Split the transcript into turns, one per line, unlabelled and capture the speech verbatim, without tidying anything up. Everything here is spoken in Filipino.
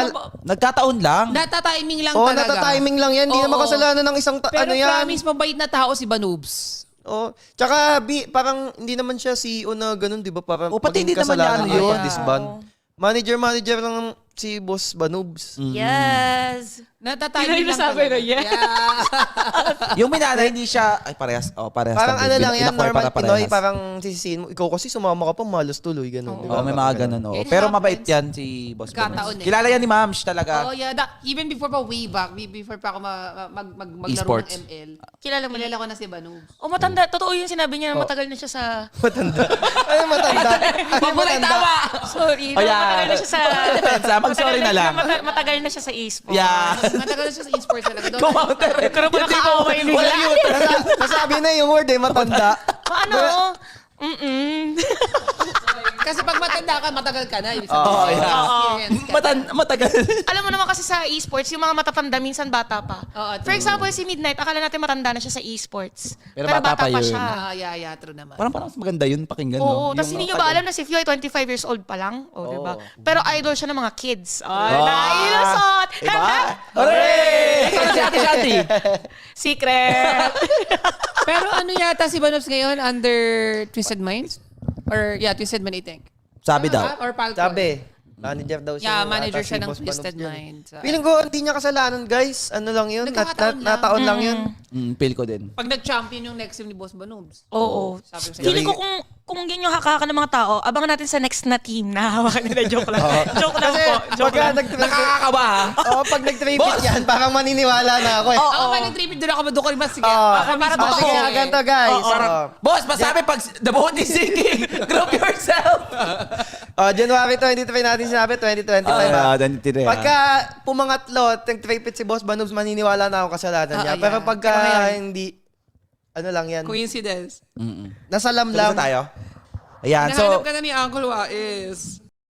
Nagkataon lang.
Natatiming lang
Oh,
talaga.
natatiming lang yan. Hindi
Oo.
naman kasalanan ng isang ta-
Pero
ano yan.
promise, mabait na tao si Banubs.
Oh, tsaka bi, parang hindi naman siya C E O na ganun, 'di ba? Parang
O, pati
maging
hindi naman niya
kasalanan
ano
niya
yun.
pa disband. Manager manager lang si Boss Banubs.
Yes.
Natatiming lang
sabi
talaga.
na, yeah.
Yung minana, hindi siya, ay parehas, oh, parehas.
Parang ano lang yan,
Inakway
normal
para
Pinoy,
parehas.
parang sisisihin mo. Ikaw kasi sumama ka pa, malos tuloy, ganun. di ba?
Oo, may mga ganun. Oh.
It
Pero
happens.
mabait yan si Boss
Nagkataon
Bones.
eh.
Kilala yan ni Mams talaga.
Oh, yeah. That, even before pa, way back, be- before pa ako ma- mag, mag, maglaro
E-sports.
ng M L,
Kilala mo
kilala ko na si Banubs.
O matanda, totoo yung sinabi niya na matagal na siya sa...
Matanda. Ay, matanda. Ay,
Paboray
matanda.
tama!
Sorry,
Oh,
na
yeah.
matagal na siya sa...
Depensa, mag-sorry na lang.
Matagal, matagal na siya sa e-sport.
Yeah.
Matagal na siya sa e-sports talaga. Doon
Kumounter.
Pero pa nakakaaway bigla.
Wala yun.
Nasa- Nasabi na yung word eh, matanda.
Paano? Mm-mm.
Kasi pag matanda ka, matagal ka na. Ibig
Oo,
sabihin,
yeah.
experience ka.
Matan matagal.
Alam mo naman kasi sa e-sports, yung mga matatanda minsan bata pa.
Oo,
For
true.
example, si Midnight, akala natin matanda na siya sa e-sports.
Pero bata pa yun.
siya.
Ah, yeah, yeah, true naman.
Parang parang mas maganda yun, pakinggan.
Oo,
no?
tapos hindi nyo ba alam na si Fio ay twenty-five years old pa lang? O, di ba? Pero idol siya ng mga kids. Ay,
Ah,
nailusot!
Diba? Hooray! Ikaw si Ate Shanti.
Secret!
Pero ano yata si Banubs ngayon under Twisted Minds? Or yeah, Twisted Mind, I think.
Sabi daw.
Ah, or Falcon?
Sabi, manager daw siya.
Yeah, manager
ata
siya
si
ng
Boss
Twisted
Banubs yun.
Minds.
Feeling ko, hindi niya kasalanan, guys. Ano lang yun? Nat, nat,
Nagkakataon lang.
nataon lang yun.
Mm, feel ko din.
Pag nag-champion yung next team ni Boss Banubs.
Oo.
Sabi ko sa'yo.
Feeling ko kung kung yun yung hakaka ng mga tao, abangan natin sa next na team na hawakan nila. Joke lang. Joke lang
Kasi
po. Joke
pagka
lang.
nag-tripit,
Nakakakaba ha?
oh, pag nag-tripit yan, parang maniniwala na ako eh.
Ako pa nag-tripid doon ako madukol mas. Sige.
Oh,
Ako
para
mismo.
sige nga, ganito guys.
Oo, parang,
Oh.
boss, masabi pag the boat is sinking, group yourself.
Oh, January twenty-three natin sinabi, twenty twenty-five.
Ah,
ah.
twenty-three, ah.
Pagka pumangatlo, nag-tripit si Boss Banubs, maniniwala na ako kasalanan niya.
Ah,
Pero
yeah.
pagka
Pero ngayon-
hindi, ano lang yan,
Coincidence.
Mm-mm.
nasa
Tapos
lamlam.
na tayo? Ayan,
Hinahanap
so,
ka na ni Uncle Wais.